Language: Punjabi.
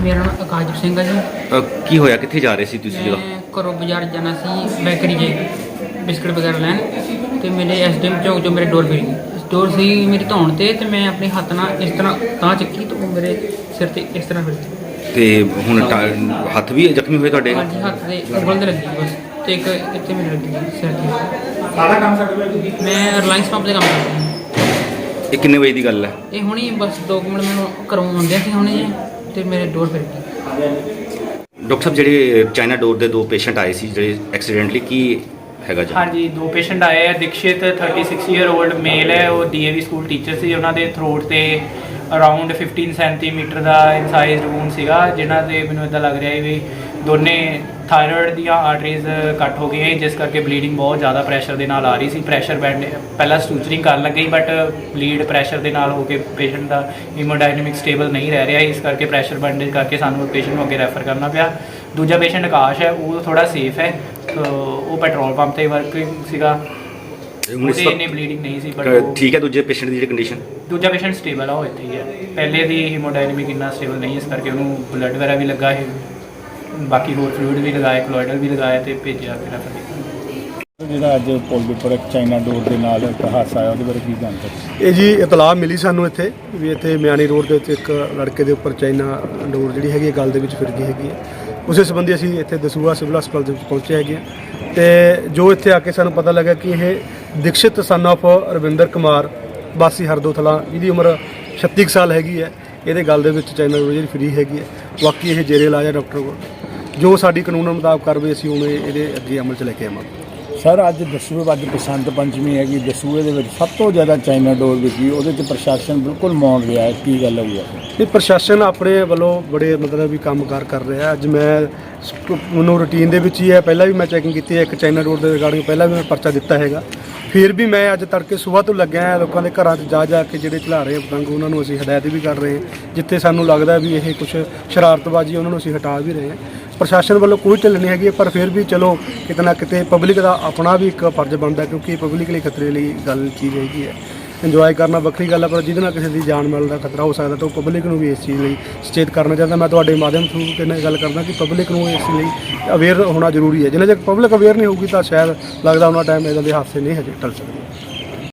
ਮੇਰਾ ਨਾਮ ਆਕਾਸ਼ਦੀਪ ਸਿੰਘ ਹੈ ਜੀ। ਕੀ ਹੋਇਆ, ਕਿੱਥੇ ਜਾ ਰਹੇ ਸੀ ਤੁਸੀਂ ਜਦੋਂ? ਮੈਂ ਘਰੋਂ ਬਾਜ਼ਾਰ ਜਾਣਾ ਸੀ ਬੇਕਰੀ 'ਚ ਬਿਸਕੁਟ ਵਗੈਰਾ ਲੈਣ, ਤੇ ਮੇਰੇ ਐਸਡੀਐਮ ਚੌਂਕ 'ਚੋਂ ਮੇਰੇ ਡੋਰ ਪਈ ਗਈ। ਡੋਰ ਸੀ ਮੇਰੀ ਧੌਣ ਤੇ ਮੈਂ ਆਪਣੇ ਹੱਥ ਨਾਲ ਇਸ ਤਰ੍ਹਾਂ ਤਾਂ ਚੱਕੀ ਤਾਂ ਉਹ ਮੇਰੇ ਸਿਰ ਤੇ ਇਸ ਤਰ੍ਹਾਂ ਫਿਰੀ। ਤੇ ਹੁਣ ਹੱਥ ਵੀ ਜ਼ਖਮੀ ਹੋਏ ਤੁਹਾਡੇ? ਹਾਂਜੀ, ਹੱਥ ਦੇ ਉਂਗਲ 'ਤੇ ਲੱਗੀ ਬਸ, ਤੇ ਇੱਕ ਇੱਥੇ ਮੇਰੇ ਲੱਗੀ ਸਿਰ ਤੇ। ਸਾਰਾ ਕੰਮ ਸਕਦੇ ਮੈਂ ਰਿਲਾਇੰਸ ਪੰਪ 'ਤੇ ਕੰਮ ਕਰਦਾ। ਇਹ ਕਿੰਨੇ ਵਜੇ ਦੀ ਗੱਲ ਹੈ? ਇਹ ਹੁਣੀ ਬਸ 2 ਮਿੰਟ ਮੈਨੂੰ ਘਰੋਂ ਆਉਂਦਿਆਂ ਸੀ ਹੁਣੇ, ਤੇ ਮੇਰੇ ਡੋਰ ਫਿਰ ਗਈ। ਡਾਕਟਰ ਸਾਹਿਬ, ਜਿਹੜੇ ਚਾਈਨਾ ਡੋਰ ਦੇ 2 ਪੇਸ਼ੈਂਟ ਆਏ ਸੀ ਜਿਹੜੇ ਐਕਸੀਡੈਂਟਲੀ, ਕੀ ਹੈਗਾ ਜੀ? ਹਾਂਜੀ, 2 ਪੇਸ਼ੈਂਟ ਆਏ ਆ। ਦਿਕਸ਼ਿਤ 36 ਈਅਰ 올ਡ ਮੇਲ ਹੈ, ਉਹ ਡੀਏਵੀ ਸਕੂਲ ਟੀਚਰ ਸੀ। ਉਹਨਾਂ ਦੇ ਥਰੋਟ ਤੇ ਅਰਾਊਂਡ 15 ਸੈਂਟੀਮੀਟਰ ਦਾ ਇਨਸਾਈਜ਼ਡ ਵੂਨ ਸੀਗਾ, ਜਿਨ੍ਹਾਂ ਦੇ ਮੈਨੂੰ ਇਦਾਂ ਲੱਗ ਰਿਹਾ ਹੈ ਵੀ ਦੋਨੇ ਥਾਇਰੋਇਡ ਦੀਆਂ ਆਰਟਰੀਜ਼ ਕੱਟ ਹੋ ਗਈਆਂ, ਜਿਸ ਕਰਕੇ ਬਲੀਡਿੰਗ ਬਹੁਤ ਜ਼ਿਆਦਾ ਪ੍ਰੈਸ਼ਰ ਦੇ ਨਾਲ ਆ ਰਹੀ ਸੀ। ਪ੍ਰੈਸ਼ਰ ਬੈਂਡ ਪਹਿਲਾਂ ਸਟੂਚਰਿੰਗ ਕਰਨ ਲੱਗੀ, ਬਟ ਬਲੀਡ ਪ੍ਰੈਸ਼ਰ ਦੇ ਨਾਲ ਹੋ ਕੇ ਪੇਸ਼ੈਂਟ ਦਾ ਹੀਮੋਡਾਇਨਾਮਿਕ ਸਟੇਬਲ ਨਹੀਂ ਰਹਿ ਰਿਹਾ, ਇਸ ਕਰਕੇ ਪ੍ਰੈਸ਼ਰ ਬੈਂਡੇਜ ਕਰਕੇ ਸਾਨੂੰ ਪੇਸ਼ੈਂਟ ਨੂੰ ਅੱਗੇ ਰੈਫਰ ਕਰਨਾ ਪਿਆ। ਦੂਜਾ ਪੇਸ਼ੈਂਟ ਆਕਾਸ਼ ਹੈ, ਉਹ ਥੋੜਾ ਸੇਫ ਹੈ, ਉਹ ਪੈਟਰੋਲ ਪੰਪ ਤੇ ਵਰਕਿੰਗ ਸੀਗਾ, ਉਹਦੇ ਇੰਨੀ ਬਲੀਡਿੰਗ ਨਹੀਂ ਸੀ। ਬਟ ਠੀਕ ਹੈ। ਦੂਜੇ ਪੇਸ਼ੈਂਟ ਦੀ ਜਿਹੜੀ ਕੰਡੀਸ਼ਨ? ਦੂਜਾ ਪੇਸ਼ੈਂਟ ਸਟੇਬਲ ਆ, ਉਹ ਇੱਥੇ ਹੀ ਹੈ। ਪਹਿਲੇ ਦੀ ਹੀਮੋਡਾਇਨਾਮਿਕ ਇੰਨਾ ਸਟੇਬਲ ਨਹੀਂ, ਇਸ ਕਰਕੇ ਉਹਨੂੰ ਬਲੱਡ ਵਗੈਰਾ ਵੀ ਲੱਗਾ ਹੈ, ਬਾਕੀ ਹੋਰ ਫਲੂਇਡ ਵੀ ਲਗਾਇਆ, ਕੋਲੋਇਡਲ ਵੀ ਲਗਾਇਆ, ਤੇ ਭੇਜਿਆ ਫਿਰ ਰੈਫਰ। ਜਿਹੜਾ ਅੱਜ ਪੁਲ ਦੇ ਉੱਪਰ ਇੱਕ ਚਾਈਨਾ ਡੋਰ ਦੇ ਨਾਲ ਇੱਕ ਹਾਦਸਾ ਆਇਆ, ਉਹਦੇ ਬਾਰੇ ਕੀ ਜਾਣਕਾਰੀ? ਇਹ ਜੀ ਇਤਲਾਹ ਮਿਲੀ ਸਾਨੂੰ ਇੱਥੇ ਵੀ ਇੱਥੇ ਮਿਆਣੀ ਰੋਡ ਦੇ ਉੱਤੇ ਇੱਕ ਲੜਕੇ ਦੇ ਉੱਪਰ ਚਾਈਨਾ ਡੋਰ ਜਿਹੜੀ ਹੈਗੀ ਗਲ ਦੇ ਵਿੱਚ ਫਿਰ ਗਈ ਹੈਗੀ ਹੈ। ਉਸੇ ਸੰਬੰਧੀ ਅਸੀਂ ਇੱਥੇ ਦਸੂਹਾ ਸਿਵਲ ਹਸਪਤਾਲ ਦੇ ਵਿੱਚ ਪਹੁੰਚੇ ਹੈਗੇ ਹਾਂ, ਤੇ ਜੋ ਇੱਥੇ ਆ ਕੇ ਸਾਨੂੰ ਪਤਾ ਲੱਗਾ ਕਿ ਇਹ ਦਿਕਸ਼ਿਤ ਸਨ ਆਫ ਰਵਿੰਦਰ ਕੁਮਾਰ ਵਾਸੀ ਹਰਦੋਥਲਾ, ਜਿਹਦੀ ਉਮਰ 36 ਸਾਲ ਹੈਗੀ ਹੈ, ਇਹਦੇ ਗਲ ਦੇ ਵਿੱਚ ਚਾਈਨਾ ਡੋਰ ਜਿਹੜੀ ਫਰੀ ਹੈਗੀ ਹੈ। ਬਾਕੀ ਇਹ ਜੇਰੇ ਇਲਾਜ ਹੈ ਡਾਕਟਰ ਕੋਲ, ਜੋ ਸਾਡੀ ਕਾਨੂੰਨ ਮੁਤਾਬਕ ਕਾਰਵਾਈ ਅਸੀਂ ਹੁਣ ਇਹਦੇ ਅੱਗੇ ਅਮਲ 'ਚ ਲੈ ਕੇ ਆਵਾਂਗੇ। ਸਰ, ਅੱਜ ਦਸੂਹੇ ਅੱਜ ਬਸੰਤ ਪੰਚਮੀ ਹੈਗੀ, ਦਸੂਹੇ ਦੇ ਵਿੱਚ ਸਭ ਤੋਂ ਜ਼ਿਆਦਾ ਚਾਈਨਾ ਡੋਰ ਵਿਕੀ, ਉਹਦੇ 'ਚ ਪ੍ਰਸ਼ਾਸਨ ਬਿਲਕੁਲ ਮੌਨ ਰਿਹਾ ਹੈ, ਕੀ ਗੱਲ ਹੋਈ ਹੈ? ਇਹ ਪ੍ਰਸ਼ਾਸਨ ਆਪਣੇ ਵੱਲੋਂ ਬੜੇ ਮਤਲਬ ਵੀ ਕੰਮਕਾਰ ਕਰ ਰਿਹਾ। ਅੱਜ ਮੈਨੂੰ ਰੂਟੀਨ ਦੇ ਵਿੱਚ ਹੀ ਹੈ, ਪਹਿਲਾਂ ਵੀ ਮੈਂ ਚੈਕਿੰਗ ਕੀਤੀ ਹੈ, ਇੱਕ ਚਾਈਨਾ ਡੋਰ ਦੇ ਰਿਗਾਰਡਿੰਗ ਪਹਿਲਾਂ ਵੀ ਮੈਂ ਪਰਚਾ ਦਿੱਤਾ ਹੈਗਾ। ਫਿਰ ਵੀ ਮੈਂ ਅੱਜ ਤੜਕੇ ਸਵੇਰ ਤੋਂ ਲੱਗਿਆ ਹਾਂ ਲੋਕਾਂ ਦੇ ਘਰਾਂ 'ਚ ਜਾ ਕੇ ਜਿਹੜੇ ਚਲਾ ਰਹੇ ਪਤੰਗ, ਉਹਨਾਂ ਨੂੰ ਅਸੀਂ ਹਦਾਇਤ ਵੀ ਕਰ ਰਹੇ ਹਾਂ। ਜਿੱਥੇ ਸਾਨੂੰ ਲੱਗਦਾ ਵੀ ਇਹ ਕੁਝ ਸ਼ਰਾਰਤਬਾਜ਼ੀ, ਉਹਨਾਂ ਨੂੰ ਅਸੀਂ ਹਟਾ ਵੀ ਰਹੇ ਹਾਂ। ਪ੍ਰਸ਼ਾਸਨ ਵੱਲੋਂ ਕੋਈ ਢਿੱਲ ਨਹੀਂ ਹੈਗੀ, ਪਰ ਫਿਰ ਵੀ ਚਲੋ ਕਿਤੇ ਨਾ ਕਿਤੇ ਪਬਲਿਕ ਦਾ ਆਪਣਾ ਵੀ ਇੱਕ ਫਰਜ਼ ਬਣਦਾ, ਕਿਉਂਕਿ ਪਬਲਿਕ ਲਈ ਖਤਰੇ ਲਈ ਗੱਲ ਚੀਜ਼ ਹੈਗੀ ਹੈ। ਇੰਜੋਏ ਕਰਨਾ ਵੱਖਰੀ ਗੱਲ ਹੈ, ਪਰ ਜਿਹਦੇ ਨਾਲ ਕਿਸੇ ਦੀ ਜਾਨ ਮਾਲ ਦਾ ਖਤਰਾ ਹੋ ਸਕਦਾ ਤਾਂ ਉਹ ਪਬਲਿਕ ਨੂੰ ਵੀ ਇਸ ਚੀਜ਼ ਲਈ ਸੁਚੇਤ ਕਰਨਾ ਚਾਹੁੰਦਾ। ਮੈਂ ਤੁਹਾਡੇ ਮਾਧਿਅਮ ਥਰੂ ਕਿੰਨਾ ਗੱਲ ਕਰਦਾ ਕਿ ਪਬਲਿਕ ਨੂੰ ਇਸ ਲਈ ਅਵੇਅਰ ਹੋਣਾ ਜ਼ਰੂਰੀ ਹੈ। ਜਿੰਨਾ ਚਿਰ ਪਬਲਿਕ ਅਵੇਅਰ ਨਹੀਂ ਹੋਊਗੀ ਤਾਂ ਸ਼ਾਇਦ ਲੱਗਦਾ ਉਹਨਾਂ ਟਾਈਮ ਇੱਦਾਂ ਦੇ ਹਾਦਸੇ ਨਹੀਂ ਹਜੇ ਟਲ ਸਕਦੇ।